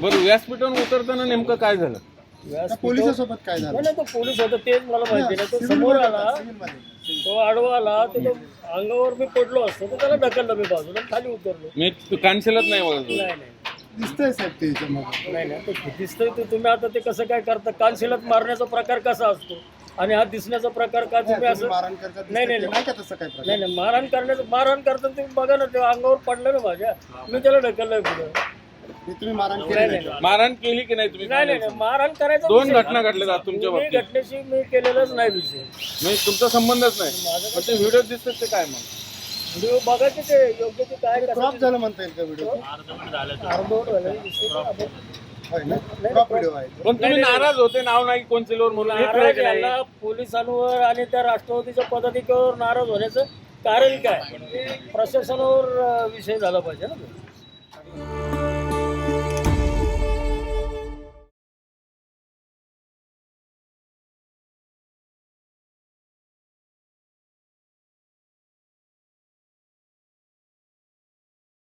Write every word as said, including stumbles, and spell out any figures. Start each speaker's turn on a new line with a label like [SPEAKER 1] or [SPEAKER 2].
[SPEAKER 1] बरं, व्यासपीठावरून उतरताना नेमकं काय झालं?
[SPEAKER 2] पोलिसांसोबत काय झालं?
[SPEAKER 3] नाही तो पोलीस होता तेच मला माहिती नाही. तो समोर आला, तो आडवा आला, तर तो अंगावर मी पडलो असतो तर त्याला ढकललं मी बाजूला खाली उतरलो.
[SPEAKER 1] मी कानशिलत नाही बघा.
[SPEAKER 3] नाही नाही
[SPEAKER 2] दिसतंय साहेब ते याच्यामध्ये.
[SPEAKER 3] नाही नाही ते दिसतंय ते तुम्ही आता ते कसं काय करता? कानशिलात मारण्याचा प्रकार कसा असतो आणि हा दिसण्याचा प्रकार का तुम्ही असं?
[SPEAKER 2] मारहाण करतात
[SPEAKER 3] नाही नाही
[SPEAKER 2] नाही का तसं काय प्रकार?
[SPEAKER 3] नाही नाही मारहाण करण्याचं मारहाण करताना तुम्ही बघा ना, ते अंगावर पडलं ना माझ्या, मी त्याला ढकललंय पुढे.
[SPEAKER 2] हे तुम्ही मारहाण
[SPEAKER 3] नाही
[SPEAKER 2] केली
[SPEAKER 3] नाही
[SPEAKER 2] नाही?
[SPEAKER 1] मारहाण केली की नाही तुम्ही?
[SPEAKER 3] नाही नाही नाही मारहाण करायचं
[SPEAKER 1] दोन
[SPEAKER 3] विषय.
[SPEAKER 1] घटना घडल्या तुमच्या
[SPEAKER 3] मी
[SPEAKER 1] बाबतीत.
[SPEAKER 3] घटनेशी मी केलेलाच नाही विषय.
[SPEAKER 1] म्हणजे तुमचा संबंधच नाही. पण ते व्हिडिओ दिसतात ते काय मग?
[SPEAKER 3] व्हिडिओ बघायचे ते योग्य ते काय
[SPEAKER 2] क्रॉप झालं म्हणता येईल का व्हिडिओ?
[SPEAKER 3] अर्धवट झालं विषय पण आपण-
[SPEAKER 2] होय ना? क्रॉप व्हिडिओ आहे.
[SPEAKER 1] पण तुम्ही नाराज होते, नाव नाही कोण सिल्वर म्हणून, हे खरं
[SPEAKER 3] नाराज
[SPEAKER 1] की नाही?
[SPEAKER 3] याला पोलिसांवर आणि त्या राष्ट्रवादीच्या पदाधिकाऱ्यावर नाराज होण्याचं कारण काय? प्रशासनावर अं, विषय झाला पाहिजे ना तो.